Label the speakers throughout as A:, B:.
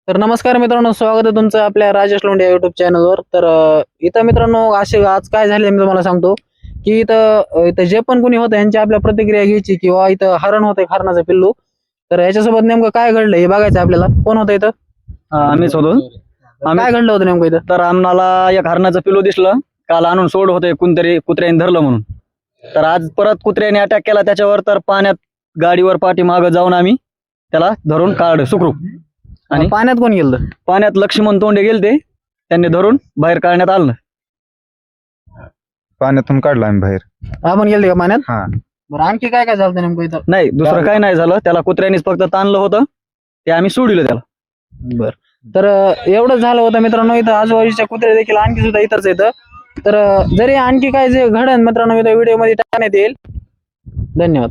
A: तर नमस्कार मित्रांनो, स्वागत आहे तुमचं आपल्या राजेश लोंढे युट्यूब चॅनलवर. तर इथं मित्रांनो असे आज काय झाले मी तुम्हाला सांगतो की इथं जे पण कोणी होतं यांची आपल्या प्रतिक्रिया घ्यायची किंवा इथं हरण होतंय हरणाचं पिल्लू. तर याच्यासोबत नेमकं काय घडलं हे बघायचं आपल्याला. कोण होतं इथं?
B: आम्हीच होतो.
A: काय घडलं होतं नेमकं इथं?
B: तर आम्हाला एक हरणाचं पिल्लू दिसलं. काल आणून सोड होते कोणतरी कुत्र्याने धरलं म्हणून. तर आज परत कुत्र्याने अटॅक केला त्याच्यावर. तर पाण्यात गाडीवर पाठीमागं जाऊन आम्ही त्याला धरून काढलं सुखरूप. आणि
A: पाण्यात कोण गेलं?
B: पाण्यात लक्ष्मण तोंडे गेलते, त्यांनी धरून बाहेर काढण्यात आलं.
C: पाण्यातून काढला आम्ही बाहेर.
A: आपण गेलते का पाण्यात?
C: हा.
A: बरं, आणखी काय काय झालं नेमकं इथं?
B: नाही, दुसरं काही नाही झालं. त्याला कुत्र्यानेच फक्त ताणलं होतं, ते आम्ही सोडलं त्याला.
A: बर, तर एवढं झालं होतं मित्रांनो. इथं आजूबाजूच्या कुत्रे देखील आणखी सुद्धा इथंच येतं. तर जरी आणखी काय जे घडन मित्रांनो इथं व्हिडिओ मध्ये टाकण्यात येईल. धन्यवाद.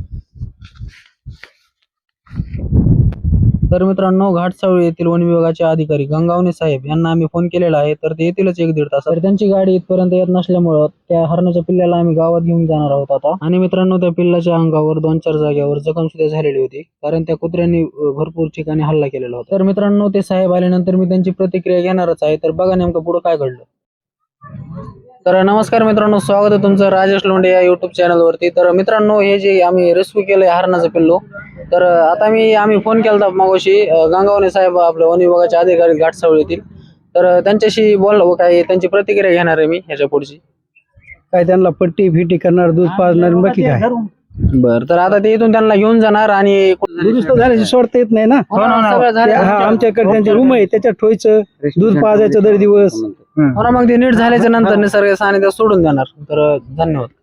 A: तर मित्रांनो, घाटसावळी येथील वन विभागाचे अधिकारी गंगावणे साहेब यांना आम्ही फोन केलेला आहे. तर ते येतीलच 1-1.5 तास. तर त्यांची गाडी इथपर्यंत येत नसल्यामुळं त्या हरणाच्या पिल्ल्याला आम्ही गावात घेऊन जाणार आहोत आता. आणि मित्रांनो, त्या पिल्लाच्या अंगावर 2-4 जागेवर जखम सुद्धा झालेली होती, कारण त्या कुत्र्यांनी भरपूर ठिकाणी हल्ला केलेला होता. तर मित्रांनो, ते साहेब आल्यानंतर मी त्यांची प्रतिक्रिया घेणारच आहे. तर बघा नेमकं पुढे काय घडलं. तर नमस्कार मित्रांनो, स्वागत आहे तुमचं राजेश लोंढे या युट्यूब चॅनलवरती. तर मित्रांनो, हे जे आम्ही रेस्क्यू केलंय हरणाचं पिल्लू, तर आता आम्ही फोन केला मागोशी गंगावणे साहेब आपल्या वन विभागाचे अधिकारी घाटसावळी येथील. तर त्यांच्याशी बोललो, काय त्यांची प्रतिक्रिया घेणार आहे मी ह्याच्या पुढची.
D: काय त्यांना पट्टी फिटी करणार, दूध पाजणार, बाकी काय.
A: बरं, तर आता ते इथून त्यांना घेऊन जाणार आणि
D: दुरुस्त झाल्याची सोडता येत नाही ना.
A: सगळं झालं.
D: हा, आमच्याकडे त्यांचे रूम आहे, त्याच्यात ठेवायचं, दूध पाजायचं दर दिवस.
A: हो ना, मग ते नीट झाल्याच्या नंतर निसर्ग सानिध्यात सोडून देणार. तर धन्यवाद.